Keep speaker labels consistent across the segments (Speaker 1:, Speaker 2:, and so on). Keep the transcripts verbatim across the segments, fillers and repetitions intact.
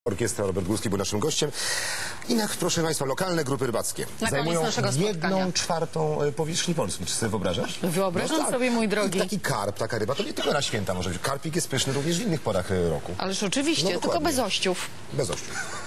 Speaker 1: Orkiestra Robert Górski był naszym gościem. I na, proszę Państwa, lokalne grupy rybackie
Speaker 2: na
Speaker 1: zajmują
Speaker 2: jedną
Speaker 1: spotkania. czwartą powierzchni Polski. Czy sobie wyobrażasz?
Speaker 2: Wyobrażam
Speaker 1: no, tak.
Speaker 2: sobie, mój drogi.
Speaker 1: I taki karp, taka ryba, to nie tylko na święta może być. Karpik jest pyszny również w innych porach roku.
Speaker 2: Ależ oczywiście,
Speaker 1: no,
Speaker 2: tylko bez ościów.
Speaker 1: Bez ościów.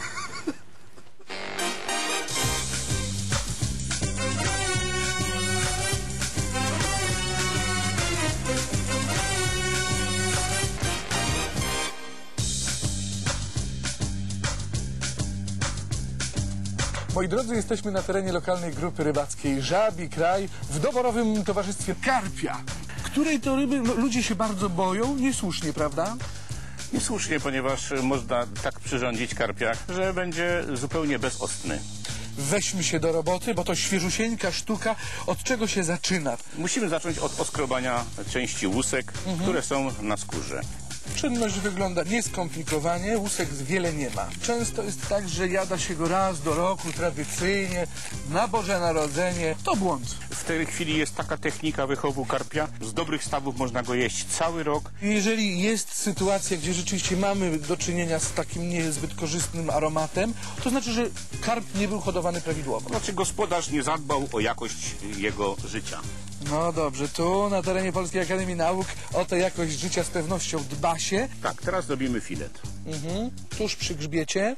Speaker 3: Moi drodzy, jesteśmy na terenie lokalnej grupy rybackiej Żabi Kraj w doborowym towarzystwie karpia, której to ryby no, ludzie się bardzo boją, niesłusznie, prawda?
Speaker 4: Niesłusznie, ponieważ można tak przyrządzić karpia, że będzie zupełnie bezostny.
Speaker 3: Weźmy się do roboty, bo to świeżusieńka sztuka. Od czego się zaczyna?
Speaker 4: Musimy zacząć od oskrobania części łusek, mhm. które są na skórze.
Speaker 3: Czynność wygląda nieskomplikowanie, łusek wiele nie ma. Często jest tak, że jada się go raz do roku, tradycyjnie, na Boże Narodzenie. To błąd.
Speaker 4: W tej chwili jest taka technika wychowu karpia. Z dobrych stawów można go jeść cały rok.
Speaker 3: Jeżeli jest sytuacja, gdzie rzeczywiście mamy do czynienia z takim niezbyt korzystnym aromatem, to znaczy, że karp nie był hodowany prawidłowo.
Speaker 4: Znaczy gospodarz nie zadbał o jakość jego życia.
Speaker 3: No dobrze, tu na terenie Polskiej Akademii Nauk o tę jakość życia z pewnością dba się.
Speaker 4: Tak, teraz robimy filet.
Speaker 3: Mhm. Tuż przy grzbiecie.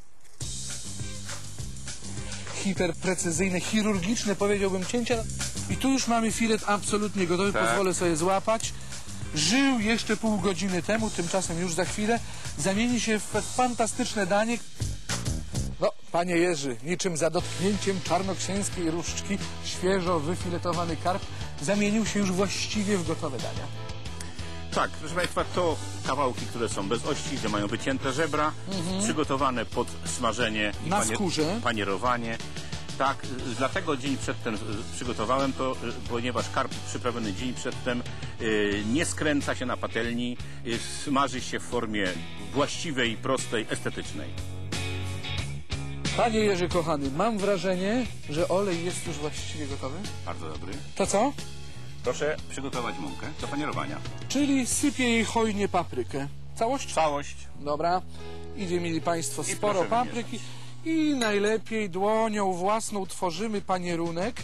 Speaker 3: Hiperprecyzyjne, chirurgiczne, powiedziałbym, cięcia. I tu już mamy filet absolutnie gotowy, tak. Pozwolę sobie złapać. Żył jeszcze pół godziny temu, tymczasem już za chwilę zamieni się w fantastyczne danie. No, panie Jerzy, niczym za dotknięciem czarnoksięskiej różdżki świeżo wyfiletowany karp zamienił się już właściwie w gotowe dania.
Speaker 4: Tak, proszę Państwa, to kawałki, które są bez ości, gdzie mają wycięte żebra, mhm. przygotowane pod smażenie i
Speaker 3: na
Speaker 4: panie,
Speaker 3: skórze.
Speaker 4: panierowanie. Tak, dlatego dzień przedtem przygotowałem to, ponieważ karp przyprawiony dzień przedtem yy, nie skręca się na patelni, yy, smaży się w formie właściwej, prostej, estetycznej.
Speaker 3: Panie Jerzy, kochany, mam wrażenie, że olej jest już właściwie gotowy.
Speaker 4: Bardzo dobry.
Speaker 3: To co?
Speaker 4: Proszę przygotować mąkę do panierowania.
Speaker 3: Czyli sypię jej hojnie paprykę. Całość?
Speaker 4: Całość.
Speaker 3: Dobra. Idzie, mili Państwo, sporo papryki. I najlepiej dłonią własną tworzymy panierunek.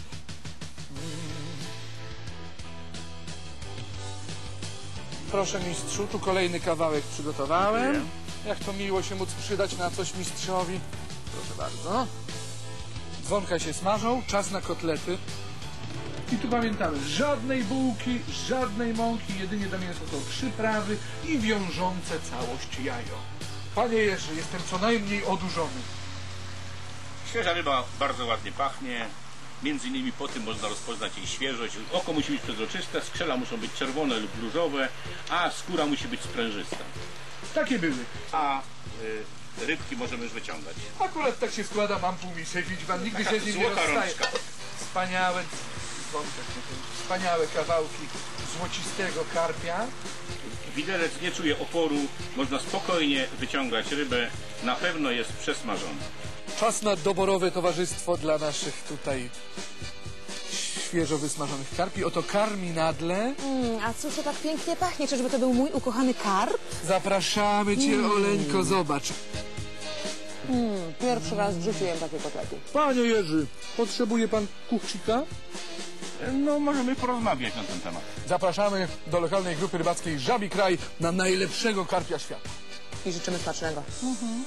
Speaker 3: Proszę mistrzu, tu kolejny kawałek przygotowałem. Dziękuję. Jak to miło się móc przydać na coś mistrzowi. Proszę bardzo. Dzwonka się smażą, czas na kotlety. I tu pamiętamy, żadnej bułki, żadnej mąki, jedynie do mięsa są przyprawy i wiążące całość jajo. Panie Jerzy, jestem co najmniej odurzony.
Speaker 4: Świeża ryba bardzo ładnie pachnie. Między innymi po tym można rozpoznać jej świeżość. Oko musi być przezroczyste, skrzela muszą być czerwone lub różowe, a skóra musi być sprężysta.
Speaker 3: Takie były.
Speaker 4: A y, rybki możemy już wyciągać.
Speaker 3: Akurat tak się składa, mam półmisek, widzi pan, nigdy się z nim nie rozstaje. Wspaniałe, wspaniałe kawałki złocistego karpia.
Speaker 4: Widelec nie czuje oporu, można spokojnie wyciągać rybę, na pewno jest przesmażona.
Speaker 3: Czas na doborowe towarzystwo dla naszych tutaj świeżo wysmażonych karpi. Oto karminadle.
Speaker 2: Mm, a cóż to tak pięknie pachnie? Czyżby to był mój ukochany karp?
Speaker 3: Zapraszamy cię, mm. Oleńko, zobacz.
Speaker 2: Mm, pierwszy raz w życiu jem takie kotlety.
Speaker 3: Panie Jerzy, potrzebuje pan kuchcika?
Speaker 4: No, możemy porozmawiać na ten temat.
Speaker 3: Zapraszamy do lokalnej grupy rybackiej Żabi Kraj na najlepszego karpia świata.
Speaker 2: I życzymy smacznego. Mhm.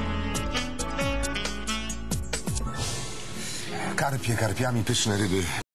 Speaker 1: Karpie, karpiami, pyszne ryby.